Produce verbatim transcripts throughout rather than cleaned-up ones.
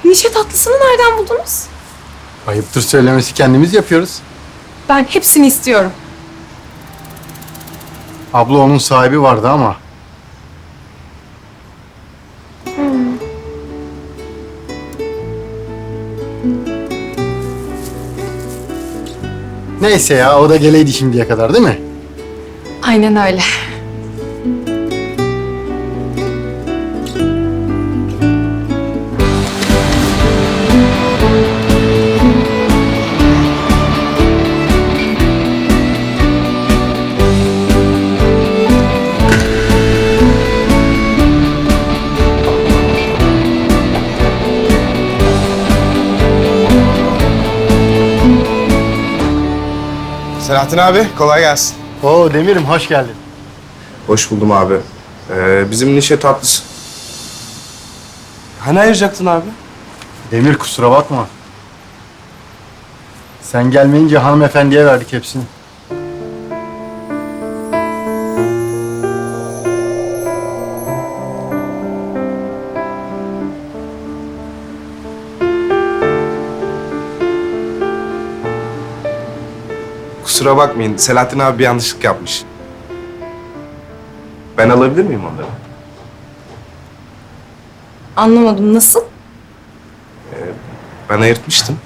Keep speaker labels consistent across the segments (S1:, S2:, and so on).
S1: Nişe tatlısını nereden buldunuz?
S2: Ayıptır söylemesi, kendimiz yapıyoruz.
S1: Ben hepsini istiyorum.
S2: Abla onun sahibi vardı ama. Neyse ya, o da geleydi şimdiye kadar değil mi?
S1: Aynen öyle.
S3: Selahattin abi, kolay gelsin.
S2: Oo Demir'im, hoş geldin.
S3: Hoş buldum abi. Ee, bizim nişe tatlısı. Hani ayıracaktın abi?
S2: Demir, kusura bakma. Sen gelmeyince hanımefendiye verdik hepsini.
S3: Kusura bakmayın, Selahattin abi bir yanlışlık yapmış. Ben alabilir miyim onları?
S1: Anlamadım, nasıl?
S3: Ben ayırtmıştım.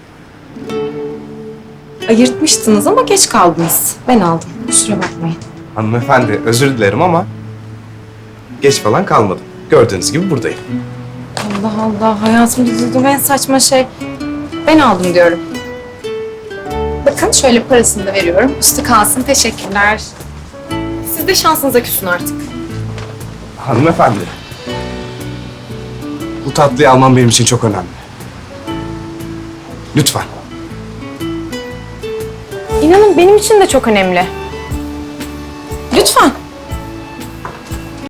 S1: Ayırtmıştınız ama geç kaldınız. Ben aldım. Kusura bakmayın.
S3: Hanımefendi, özür dilerim ama geç falan kalmadım. Gördüğünüz gibi buradayım.
S1: Allah Allah, hayatımda duyduğum en saçma şey. Ben aldım diyorum. Bakın şöyle parasını da veriyorum. Üstü kalsın, teşekkürler. Siz de şansınıza küsün artık.
S3: Hanımefendi, bu tatlıyı almam benim için çok önemli. Lütfen.
S1: İnanın benim için de çok önemli. Lütfen.